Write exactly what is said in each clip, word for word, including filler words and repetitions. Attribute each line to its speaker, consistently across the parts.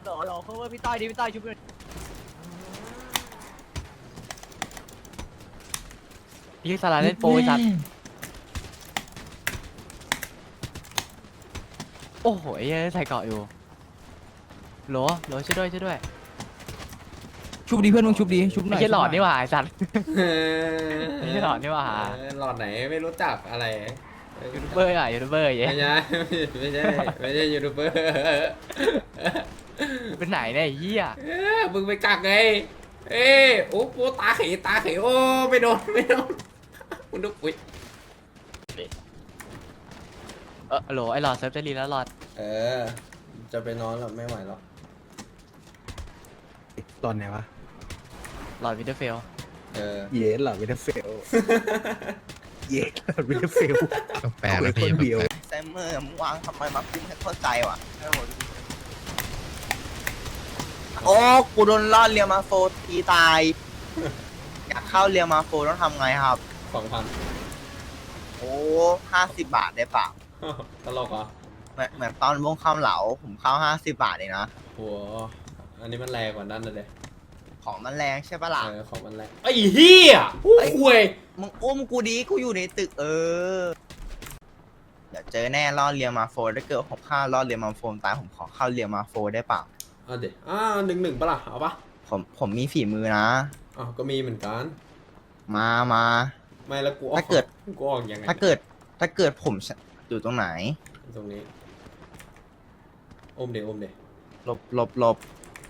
Speaker 1: หล่อหล่อเขาว่าพี่ต้อยดิพี่ต้อยชุบเลยพี่สาราเล่นโปรไอ้สัตว์โอ้โหไอ้เหี้ยใส่เกาะอยู่โหลโหลช่วยด้วยช่วยด้วย
Speaker 2: ชุบดีเพื่อนมึงชุบดีชุบหน่
Speaker 1: ไม่
Speaker 2: อย
Speaker 1: ใช่หลอดนี่หว่าไอ้สัตว์
Speaker 3: เออ
Speaker 1: ไม่ใช่หลอดนี่หว่า
Speaker 3: เออหลอดไหนไม่รู้จักอะไร
Speaker 1: ยูทูบเบอร์อ่ะยูทูบเบอร์เย้
Speaker 3: ไม่ใช่ไม่ใช่ไม่ใช่ยูทูบเบอร์
Speaker 1: เป็นไหนเนี่ยไอ้เหี้ย
Speaker 3: เออมึงไปกักไงเอ้ยโอ้โหตาเขยตาเขยโอ้ไม่โดนไม่โดนมึงดูอุ้ย
Speaker 1: เออโหลไอ้หลอดเซิร์ฟจะรีแล้วหลอด
Speaker 3: เออจะไปนอนแล้วไม่ไหวแล้ว
Speaker 2: ตอนไหนวะ
Speaker 1: หลอดวิดเตอร์เฟล
Speaker 3: เออ
Speaker 2: เย็นเหรอวินเทอร์เฟลเย็นเหรอวินเทอร์เฟล
Speaker 4: แปลกแล้วพี่
Speaker 2: คนเดียว
Speaker 5: แซมเมอร์มึงวางทำไมมาปิ้งให้เข้าใจว่ะโอ้กูโดนล่อเรียมาโฟตีตาย อยากเข้าเรียมาโฟต้องทำไงครับ
Speaker 3: สองพัน
Speaker 5: โอ้ห้าสิบบาทได้เปล่า
Speaker 3: ตลกเหรอ
Speaker 5: เหมือนเหมือนตอนวงข้ามเหลาผมเข้าห้าสิบบาทเองนะ
Speaker 3: โหอันนี้มันแรงกว่านั้นเลย
Speaker 5: ของมันแรงใช่ปะล่ะ
Speaker 3: เออของมันแรงไอ้เหี้ยอู้คุย
Speaker 5: มึงอุ้มกูดีกูอยู่ในตึกเออ เดี๋ยวเจอแน่ล่อเรียมาโฟถ้าเกิดผมเข้าล่อเรียมาโฟตายผมขอเข้าเรียมาโฟได้เปล่า
Speaker 3: เอาเดี๋ยวอ่าหนึ่งหนึ่งปะล่ะเอาปะ
Speaker 5: ผมผมมีฝีมือนะ
Speaker 3: อ๋อก็มีเหมือนกัน
Speaker 5: มามา
Speaker 3: ไม่แล้วกูออก
Speaker 5: ถ้าเกิด
Speaker 3: กูออกยังไง
Speaker 5: ถ้าเกิดถ้าเกิดผมอยู่ตรงไหน
Speaker 3: ตรงนี้อมเดี๋ยวอมเดี๋ยว
Speaker 5: หลบหลบหลบ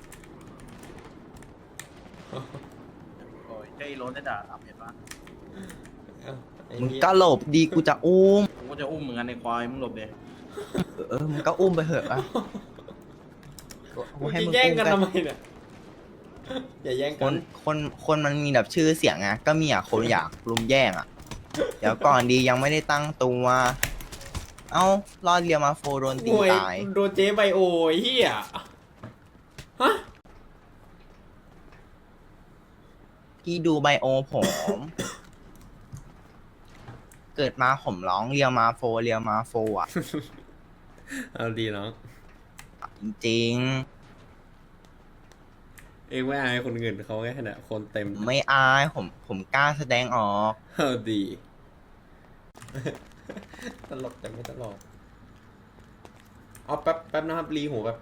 Speaker 6: โอ้ยเจ้าอีโรสได้ด่าอับเห็นปะ
Speaker 3: เอ้าไอ้
Speaker 5: มึง
Speaker 3: เหี้ย
Speaker 5: ก็หลบดีกูจะอุ้ม
Speaker 6: กูก็จะอุ้มเหมือนกันในควายมึงหลบเด
Speaker 5: เออมึงก็อุ้มไปเถอะอะ
Speaker 3: มึง
Speaker 5: ให้
Speaker 3: จะ
Speaker 5: มึง
Speaker 3: แย่ง
Speaker 5: อุ้ม
Speaker 3: กัน
Speaker 5: ไป
Speaker 3: ทำไมเนี่ยอย่าแย่ง
Speaker 5: ค
Speaker 3: กัน
Speaker 5: นคนคนมันมีแบบชื่อเสียงไงก็มีอ่ะคนอยากรุมแย่งอ่ะ เดี๋ยวก่อนดียังไม่ได้ตั้งตัว เอ้ารอดเรียมาโฟโดนตี
Speaker 3: โอ้ย
Speaker 5: ตาย
Speaker 3: โดนเจ๊ไบโอไอ้เฮียฮะ
Speaker 5: พี่ดูไบโอผม เกิดมาผมร้องเรียมาโฟเรียมาโฟอ่ะ
Speaker 3: เอาดีน้อง
Speaker 5: จริง
Speaker 3: เองไม่อายคนอื่นเขาแค่เนี่ยคนเต็ม
Speaker 5: ๆไม่อายผมผมกล้าแสดงออก
Speaker 3: เอาดี ตลกแต่ไม่ตลกเอาแป๊บแป๊บนะครับรีหูแป๊บ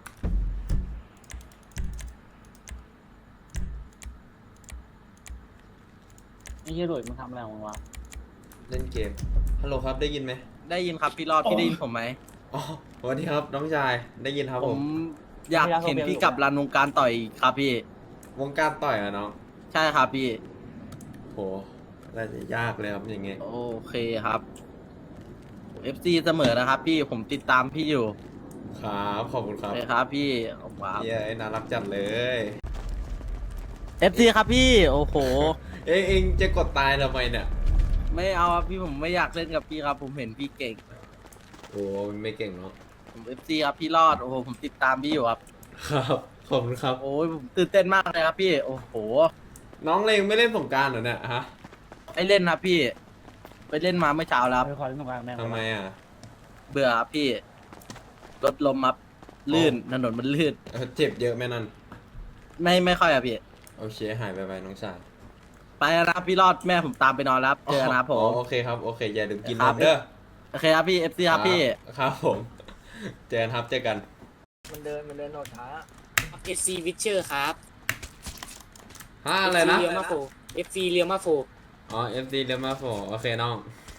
Speaker 6: ไอ้เหี้ยหลุยมึงทำอะไรของมึงวะ
Speaker 3: เล่นเกมฮัลโหลครับได้ยินไหม
Speaker 7: ได้ยินครับพี่รอดพี่ได้ยินผมไหม
Speaker 3: อ๋อสวัสดีครับน้องชายได้ยินครับ
Speaker 7: ผ
Speaker 3: ผม ม
Speaker 7: อยากเห็นพี่กลับรันวงการต่อยอีกครับพี่
Speaker 3: วงการต่อยอะน้อง
Speaker 7: ใช่ครับพี่
Speaker 3: โหน่าจะยากเลยครับอย่างเงี้ย
Speaker 7: โอเคครับ เอฟ ซี เสมอนะครับพี่ผมติดตามพี่อยู่
Speaker 3: ครับขอบคุณค
Speaker 7: โอ
Speaker 3: รับ
Speaker 7: เคครับพี่ขอบคุณครับ
Speaker 3: เย้ยน่ารักจัดเลย
Speaker 7: เอฟ ซี ครับพี่ โอ้โห
Speaker 3: เอ้ยเองจะกดตายทำไมเนี่ย
Speaker 7: ไม่เอาครับพี่ผมไม่อยากเล่นกับพี่ครับ ผมเห็นพี่เก่ง
Speaker 3: โอ้ไม่เก่งเนาะ
Speaker 7: ผม เอฟ ซี ครับพี่รอดโอ้โหผมติดตามพี่อยู่ครับ
Speaker 3: ครับขอบคุณครับ
Speaker 7: โอ้ยผมตื่นเต้นมากเลยครับพี่ โอ้โห
Speaker 3: น้องเลงไม่เล่นสงกรารเหรอเนี่ยฮะ
Speaker 7: ไอเล่นครับพี่ ไปเล่นมาเมื่อเช้าแล้วครับ
Speaker 6: ไปคอยเล่นตรงกลางแม่ง
Speaker 3: ทำไมอ่ะ
Speaker 7: เบื่อครับพี่รถลมครับลื่นถนนมันลื่น
Speaker 3: เออเจ็บเยอะไหมนั่น
Speaker 7: ไม่ไม่ค่อยอะพี่
Speaker 3: โอเคหายไปไปน้องชาย
Speaker 7: ไปแล้วนะครับพี่รอดแม่ผมตามไปนอนแล้วครับเจอกันนะครับผ
Speaker 3: อ๋อ
Speaker 7: ม
Speaker 3: โอเคครับโอเคอย่าลืมกิน
Speaker 7: ครั
Speaker 3: น
Speaker 7: บ
Speaker 3: มเด้อ
Speaker 7: โอเคครับพี่เอฟซีครับพี่
Speaker 3: ครับผมเจอกันครับเจอกัน
Speaker 1: มันเดินมันเดินโหดช้า
Speaker 8: เอฟซีวิเชอร์ครับ
Speaker 3: ฮะอะไรนะ
Speaker 8: เรียมาโฟเอฟซีเรียมาโฟ
Speaker 3: อ๋อ เอฟ ดี เดมาโฟโอเคน้อง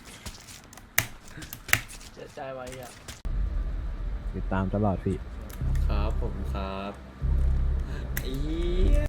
Speaker 1: เสียใจไว้อ่ะ
Speaker 2: ติดตามตลอดพี่
Speaker 3: ครับผมครับไอ้เหี้ย